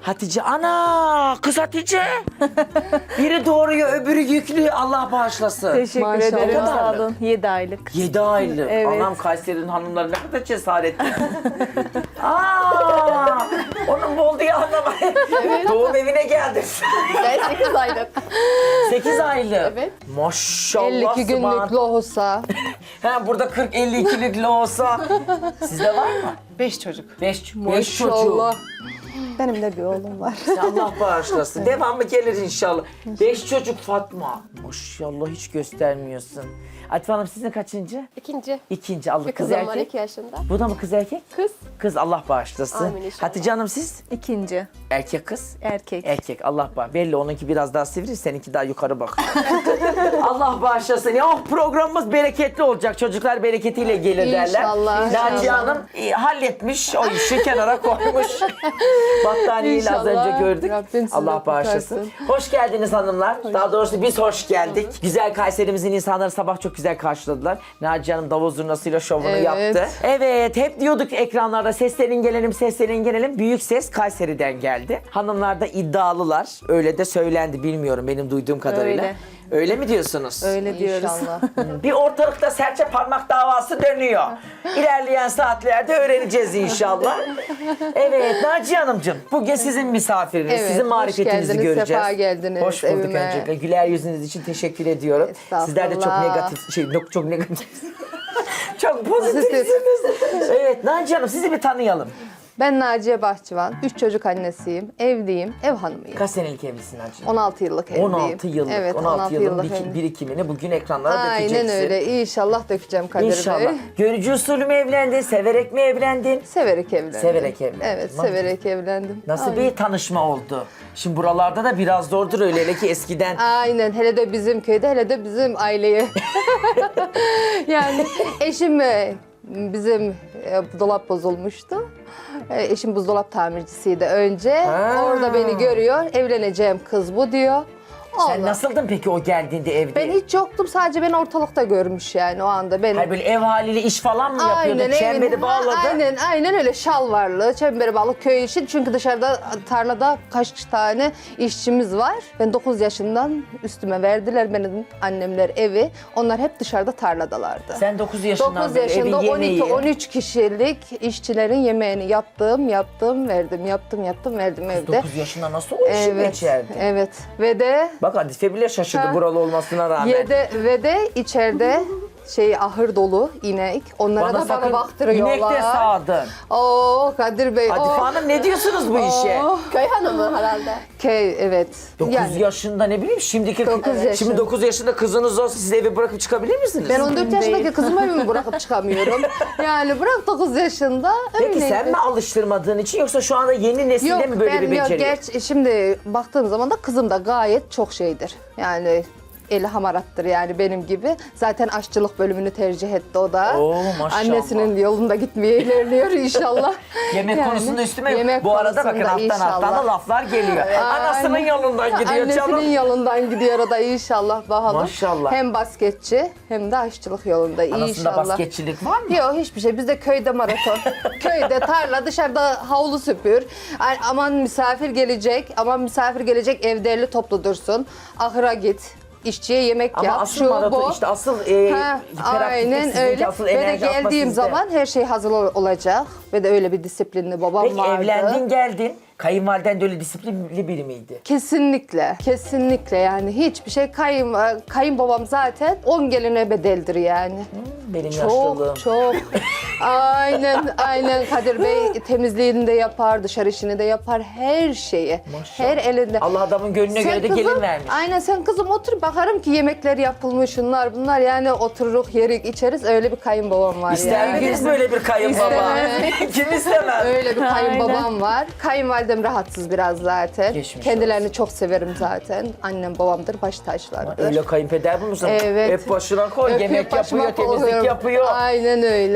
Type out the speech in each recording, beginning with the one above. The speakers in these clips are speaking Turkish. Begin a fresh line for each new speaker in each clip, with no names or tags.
Hatice ana kız Hatice. Biri doğuruyor öbürü yüklü Allah bağışlasın.
Teşekkür
Maşallah.
ederim.
Ne kadar?
Sağ olun. 7 aylık.
7 aylık.
Evet.
Anam Kayseri'nin hanımları ne kadar cesaretli. Aa, onun boldu ya anlamayın. Doğum evine geldin.
Ben 8 aylık.
8 aylık.
Evet.
Maşallah.
52 günlük
Sıman.
lohusa.
Ha, burada 40-52'lik olsa. Sizde var mı?
5 çocuk.
5 çocuğu.
Maşallah.
Benim de bir oğlum var.
Allah bağışlasın. Devamı gelir inşallah. 5 çocuk Fatma. Maşallah hiç göstermiyorsun. Atife Hanım sizin kaçıncı?
İkinci.
İkinci. Allah
Bir
kız
kızım var
erkek.
2 yaşında.
Bu da mı kız erkek?
Kız.
Kız Allah bağışlasın.
Amin inşallah.
Hatice Hanım siz?
İkinci.
Erkek kız?
Erkek.
Erkek Allah bağışlasın. Belli onunki biraz daha sivri, seninki daha yukarı bak. Allah bağışlasın. Ya oh, programımız bereketli olacak. Çocuklar bereketiyle gelir derler.
İnşallah,
Naciye
inşallah.
Hanım halletmiş. O işi kenara koymuş. Battaniyeyi az
İnşallah.
önce gördük.
Rabbim sizi
Allah bağışlasın.
kurtarsın.
Hoş geldiniz hanımlar. Daha doğrusu biz hoş geldik. Güzel Kayserimizin insanları sabah çok güzel karşıladılar. Naciye Hanım davul zurnasıyla şovunu
Evet.
yaptı. Evet, hep diyorduk ekranlarda seslerin gelelim, seslerin gelelim. Büyük ses Kayseri'den geldi. Hanımlar da iddialılar. Öyle de söylendi, bilmiyorum benim duyduğum kadarıyla.
Öyle.
Öyle mi diyorsunuz?
Öyle diyoruz.
İnşallah.
Bir ortalıkta serçe parmak davası dönüyor. İlerleyen saatlerde öğreneceğiz inşallah. Evet Naciye Hanımcığım, bugün sizin misafiriniz,
Evet,
sizin
hoş
marifetinizi
geldiniz,
göreceğiz.
sefa geldiniz
Hoş bulduk
evime.
öncelikle. Güler yüzünüz için teşekkür ediyorum.
Estağfurullah.
Sizler de çok negatif, çok negatif. Çok pozitifsiniz. Evet Naciye Hanım sizi bir tanıyalım.
Ben Naciye Bahçıvan. 3 çocuk annesiyim. Evliyim. Ev hanımıyım.
Kaç senelik evlisin Naciye?
16 yıllık evliyim.
16 yıllık.
Evet,
16 yılın
yıllık evliyim.
birikimini bugün ekranlara
Aynen
dökeceksin.
öyle. İnşallah dökeceğim Kadir
İnşallah.
Bey.
Görücü usulü mü evlendin, severek mi evlendin?
Severek evlendim.
Severek evlendin.
Evet,
Vallahi.
severek evlendim.
Nasıl
Aynen.
bir tanışma oldu? Şimdi buralarda da biraz zordur öyle hele ki eskiden.
Aynen. Hele de bizim köyde, hele de bizim aileye. Yani eşim bizim dolap bozulmuştu. Eşim buzdolap tamircisiydi önce.
Ha.
Orada beni görüyor. Evleneceğim kız bu diyor.
Sen
Allah.
nasıldın peki o geldiğinde evde?
Ben hiç yoktum. Sadece beni ortalıkta görmüş yani o anda. Ben
Hayır böyle ev haliyle iş falan mı yapıyordun? Çemberi
evin-
bağladın.
Aynen öyle şalvarlı, çemberi bağlı köy işi. Çünkü dışarıda tarlada kaç tane işçimiz var. Ben 9 yaşından üstüme verdiler benim annemler evi. Onlar hep dışarıda tarladalardı.
Sen 9 yaşından
9
beri
yaşında
evin yemeği.
12-13 kişilik işçilerin yemeğini yaptım, verdim, verdim evde.
9 yaşında nasıl o işi
Evet,
geçerdi?
evet. Ve de
Bak Hadife bile şaşırdı
Ha.
buralı olmasına rağmen.
ve de içeride ahır dolu inek. Onlara da
sakın
bana baktırıyorlar.
İnek de sağdın.
Oo Kadir Bey.
Hadife Hanım ne diyorsunuz bu işe?
Köy hanımı herhalde.
Evet.
9 yaşında ne bileyim şimdiki
9 yaşında.
şimdi 9 yaşında kızınız olsa siz evi bırakıp çıkabilir misiniz?
Ben 14
Değil.
yaşındaki kızımı evime bırakıp çıkamıyorum. Yani bırak 9 yaşında.
Peki
öyleydi.
sen mi alıştırmadığın için yoksa şu anda yeni nesilde mi böyle bir beceri?
Şimdi baktığım zaman da kızım da gayet çok şeydir. Yani eli hamarattır yani benim gibi. Zaten aşçılık bölümünü tercih etti o da.
Oo, maşallah.
Annesinin yolunda gitmeye ilerliyor inşallah.
Yemek
Yani,
konusunda üstüme
yemek
bu arada bakın
konusunda
alttan alttan da
inşallah.
laflar geliyor. Anasının
Aynen.
yolundan gidiyor
Annesinin
canım.
yolundan gidiyor o da inşallah bakalım.
Maşallah.
Hem basketçi hem de aşçılık yolunda
Anasında
inşallah.
basketçilik var mı?
Yok hiçbir şey. Bizde köyde maraton. Köyde tarla, dışarıda havlu süpür. Ay, aman misafir gelecek, ev derli toplu dursun. Ahıra git. İşçiye yemek
Ama
yap.
asıl maraton işte asıl
Aynen
sizinki,
öyle.
asıl
Ve de
enerji atma
geldiğim
sizde.
zaman her şey hazır olacak. Ve de öyle bir disiplinli babam
Peki
vardı.
evlendin geldin. Kayınvaliden de öyle disiplinli biri miydi?
Kesinlikle yani hiçbir şey kayınbabam zaten 10 geline bedeldir yani.
Benim yaşlılığım.
Çok. Aynen Kadir Bey temizliğini de yapar, dışarı işini de yapar, her şeyi.
Maşallah.
Her elinde.
Allah adamın gönlüne göre de gelin vermiş.
Aynen sen kızım otur bakarım ki yemekler yapılmış şunlar bunlar yani otururuk yerik içeriz öyle bir kayınbabam var
İster
yani.
miydiniz böyle bir kayınbaba? Kim istemez?
Öyle bir kayınbabam var. Kayınvalidem rahatsız biraz zaten.
Geçmiş
Kendilerini çok severim zaten. Annem babamdır, baş taşlardır.
Öyle kayınpeder bulmuşsun.
Evet.
Hep başına koy,
Öpüp
yemek
başıma
yapıyor, temizlik
koyuyorum.
yapıyor.
Aynen öyle.
Peki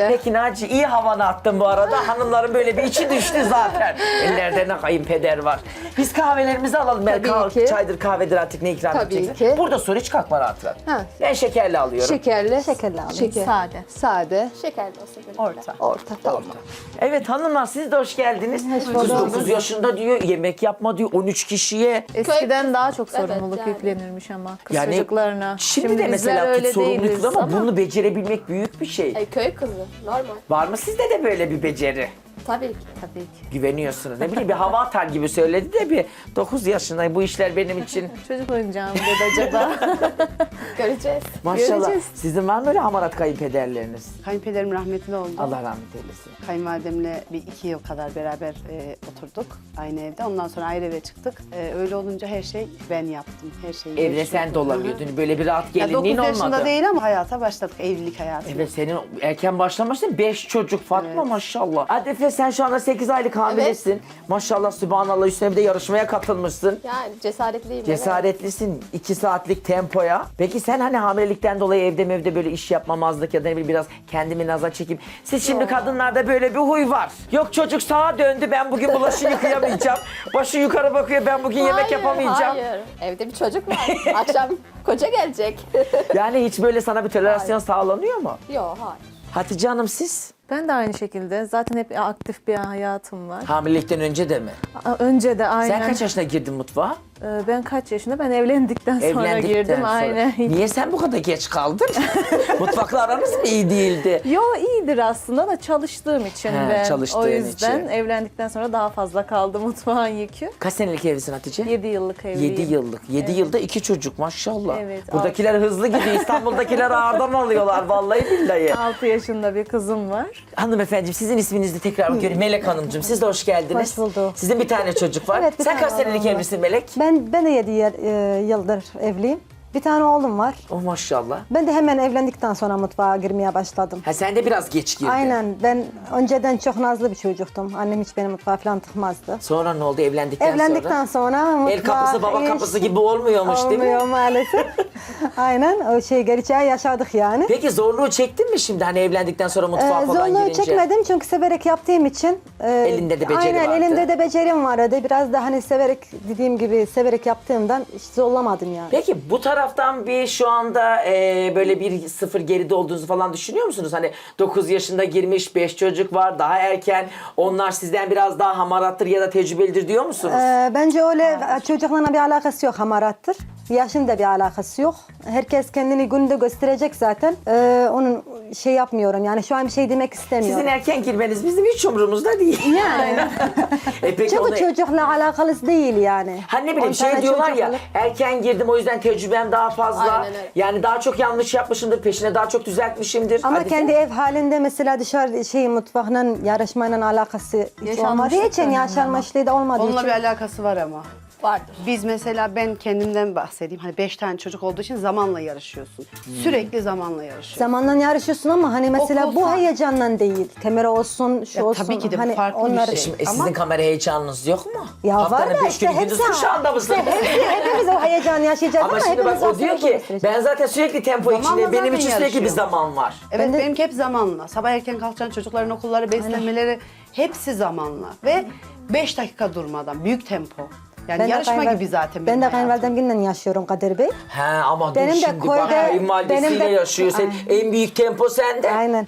Naci iyi havanı attın bu arada. Hanımların böyle bir içi düştü zaten. Ellerde ne kayınpeder var. Biz kahvelerimizi alalım.
Tabii ki.
Çaydır kahvedir artık ne ikram
Tabii
edeceksin.
ki.
Burada sor hiç kalkma rahat rahat.
Ha.
Ben şekerli alıyorum.
Şekerli.
Şekerli alayım.
Şeker.
Sade.
Sade.
Şekerli olsun. böyle.
Orta.
Orta tamam.
Evet hanımlar siz de hoş geldiniz. Kız
bulduk.
9 yaşında diyor yemek yapma diyor 13 kişiye.
Eskiden daha çok
Evet,
sorumluluk
yani.
yüklenirmiş ama kız
Yani
çocuklarına.
Şimdi de
bizler
mesela
öyle
sorumluluk
değiliz
ama bunu becerebilmek büyük bir şey.
Köy kızı. Normal.
Var mı sizde de böyle bir beceri?
Tabii ki.
Tabii ki.
Güveniyorsunuz. Ne bileyim bir hava atar gibi söyledi de bir 9 yaşında bu işler benim için
Çocuk oyuncağı mı dedi acaba?
Göreceğiz.
maşallah.
Göreceğiz.
Sizin var mı öyle hamarat kayınpederleriniz?
Kayınpederim rahmetli oldu.
Allah rahmet eylesin.
Kayınvalidemle bir 2 yıl kadar beraber oturduk aynı evde. Ondan sonra ayrı eve çıktık. Öyle olunca her şey ben yaptım. Her şeyi.
Evde sen dolanıyordun. Böyle bir rahat
Ya
gelinliğin
9 yaşında
olmadı.
değil ama hayata başladık. Evlilik hayatı.
Evet senin erken başlamışsın. 5 çocuk Fatma maşallah. Adife sen şu anda 8 aylık hamilesin. Maşallah sübhanallah üstüne bir de yarışmaya katılmışsın.
Yani cesaretliyim.
Cesaretlisin 2 saatlik tempoya. Peki sen hani hamilelikten dolayı evde böyle iş yapmamazlık ya da ne bileyim biraz kendimi naza çekeyim. Siz şimdi kadınlarda böyle bir huy var. Yok çocuk sağa döndü ben bugün bulaşığı yıkayamayacağım. Başı yukarı bakıyor ben bugün yemek yapamayacağım.
Hayır. Evde bir çocuk var. Akşam koca gelecek.
Yani hiç böyle sana bir tolerasyon sağlanıyor mu?
Yok hayır.
Hatice Hanım siz?
Ben de aynı şekilde. Zaten hep aktif bir hayatım var.
Hamilelikten önce de mi?
Önce de aynen.
Sen kaç yaşına girdin mutfağa?
Ben kaç yaşında? Ben evlendikten sonra
Evlendikten
girdim.
sonra.
Aynen.
Niye sen bu kadar geç kaldın? Mutfakla aranız mı iyi değildi?
Yo iyidir aslında da çalıştığım için
He,
ben.
çalıştığın
O yüzden
için.
evlendikten sonra daha fazla kaldı mutfağın yükü.
Kaç senelik evlisin Hatice?
7 yıllık evliyim.
7 yıllık. 7 yılda 2 çocuk maşallah.
Evet,
Buradakiler hızlı gidiyor. İstanbul'dakiler ağırdan alıyorlar vallahi billahi.
6 yaşında bir kızım var.
Hanımefendiciğim sizin isminizi tekrar bakıyorum. Melek Hanımcığım siz de hoş geldiniz.
Hoş bulduk.
Sizin bir tane çocuk var.
Evet, bir
Sen
tane
kaç senelik
oğlum var.
evlisin Melek?
Ben de 7 yıldır evliyim. Bir tane oğlum var.
Oh maşallah.
Ben de hemen evlendikten sonra mutfağa girmeye başladım.
Ha sen de biraz geç girdin.
Aynen. Ben önceden çok nazlı bir çocuktum. Annem hiç beni mutfağa falan tıkmazdı.
Sonra ne oldu evlendikten,
Evlendikten sonra mutfağa...
El kapısı baba kapısı gibi olmuyormuş değil mi?
Olmuyor maalesef. Aynen. O gerçeği yaşadık yani.
Peki zorluğu çektin mi şimdi hani evlendikten sonra mutfağa falan
Zorluğu
girince?
çekmedim çünkü severek yaptığım için.
Elinde de beceri
aynen,
vardı.
elimde de becerim vardı. Biraz da hani severek dediğim gibi severek yaptığımdan hiç zorlamadım yani.
Peki bu taraftan bir şu anda böyle bir sıfır geride olduğunuzu falan düşünüyor musunuz? Hani 9 yaşında girmiş 5 çocuk var daha erken onlar sizden biraz daha hamarattır ya da tecrübelidir diyor musunuz?
Bence öyle çocuklarla bir alakası yok, hamarattır. Yaşın da bir alakası yok. Herkes kendini günde gösterecek zaten. Onun şey yapmıyorum yani şu an bir şey demek istemiyorum.
Sizin erken girmeniz bizim hiç umurumuzda değil.
Yani.
Peki
Çünkü
onu...
çocukla alakalı değil yani.
Hani ne bileyim
10
şey
tane
diyorlar ya
çocukla-
erken girdim o yüzden tecrübem daha fazla.
Aynen öyle.
Yani daha çok yanlış yapmışımdır peşine daha çok düzeltmişimdir.
Ama
Hadi
kendi ev halinde mesela dışarı mutfakla yarışmayla alakası hiç olmadığı için yaşanmışlığı da olmadığı
Onunla
için.
bir alakası var ama.
Vardır.
Biz mesela ben kendimden bahsedeyim. Hani 5 tane çocuk olduğu için zamanla yarışıyorsun. Sürekli zamanla yarışıyorsun.
Zamanla yarışıyorsun ama hani mesela
Okul
bu
fa-
heyecanla değil. Kamera olsun, şu
Ya
olsun.
tabii ki de bu
hani
farklı bir şey.
Şimdi
Ama-
sizin kamera heyecanınız yok mu?
Ya
Haftanın
var da
5
işte
günü gündüz
hepsi-
kuşağında mısınız?
Hepimiz o heyecanı yaşayacağız ama,
Ama şimdi bak
hepimiz
o diyor
aslında
ki
göstereceğiz.
ben zaten sürekli tempo
Zamanla
içinde benim
zaten
için sürekli bir
yarışıyor.
zaman var.
Evet
Ben de-
benimki hep zamanla. Sabah erken kalkacaksın çocukların okulları, beslenmeleri hepsi zamanla. Ve 5 dakika durmadan büyük tempo. Yani
Ben de
yarışma
kayınval-
gibi zaten
Ben
benim
de
hayatım.
kayınvalidemle yaşıyorum Kadir Bey.
He ama
Benim
dur
de
şimdi bak
köyde-
kayınvalidesiyle
benim de-
yaşıyor. Sen, en büyük tempo sende.
Aynen.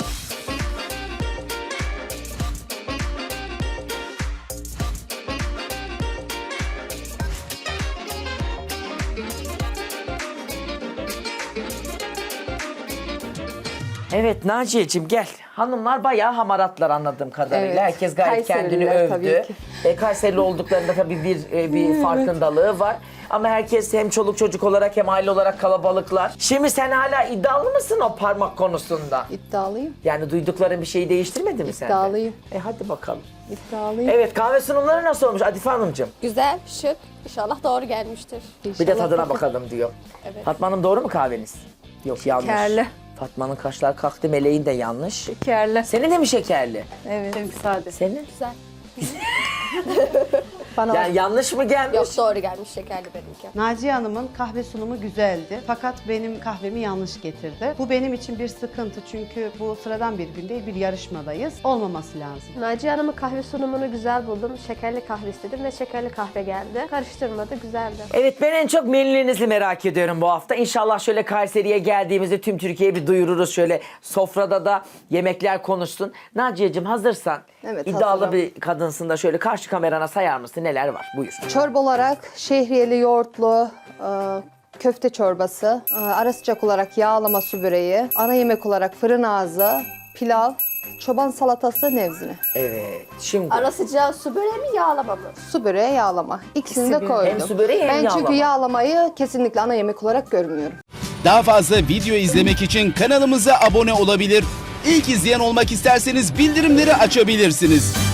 Evet Naciye'cim gel. Hanımlar bayağı hamaratlar anladığım kadarıyla.
Evet.
Herkes gayet kendini
Kayseriler
övdü.
tabii ki.
Kayserili olduklarında tabii bir farkındalığı var. Ama herkes hem çoluk çocuk olarak hem aile olarak kalabalıklar. Şimdi sen hala iddialı mısın o parmak konusunda?
İddialıyım.
Yani duydukların bir şeyi değiştirmedi mi sende?
İddialıyım.
Hadi bakalım.
İddialıyım.
Evet kahve sunumları nasıl olmuş Adife Hanımcığım?
Güzel, şık. İnşallah doğru gelmiştir.
Bir de tadına bakalım diyor.
Evet.
Fatma Hanım doğru mu kahveniz? Yok yanlış.
Şekerli.
Fatma'nın kaşlar kalktı, Meleğin de yanlış.
Şekerli.
Senin de mi şekerli?
Evet.
Benimki sade.
Senin?
Güzel.
Bana
Yani yanlış mı gelmiş?
Yok doğru gelmiş şekerli benimki.
Naciye Hanım'ın kahve sunumu güzeldi. Fakat benim kahvemi yanlış getirdi. Bu benim için bir sıkıntı çünkü bu sıradan bir gün değil, bir yarışmadayız. Olmaması lazım.
Naciye Hanım'ın kahve sunumunu güzel buldum. Şekerli kahve istedim ve şekerli kahve geldi. Karıştırmadı, güzeldi.
Evet, ben en çok menülerinizi merak ediyorum bu hafta. İnşallah şöyle Kayseri'ye geldiğimizde tüm Türkiye'ye bir duyururuz. Şöyle sofrada da yemekler konuşsun. Naciye'cim hazırsan,
Evet,
iddialı
hazırım.
bir kadınsın da şöyle karşı kamerana sayar mısın neler var? Buyur.
Çorba olarak şehriyeli yoğurtlu köfte çorbası, ara sıcak olarak yağlama su böreği, ana yemek olarak fırın ağzı, pilav, çoban salatası, nevzine.
Evet, şimdi
Ara sıcağı su böreği mi yağlama mı?
Su böreği, yağlama. İkisini de koydum.
Hem su böreği hem
ben
yağlama.
çünkü yağlamayı kesinlikle ana yemek olarak görmüyorum.
Daha fazla video izlemek için kanalımıza abone olabilir. İlk izleyen olmak isterseniz bildirimleri açabilirsiniz.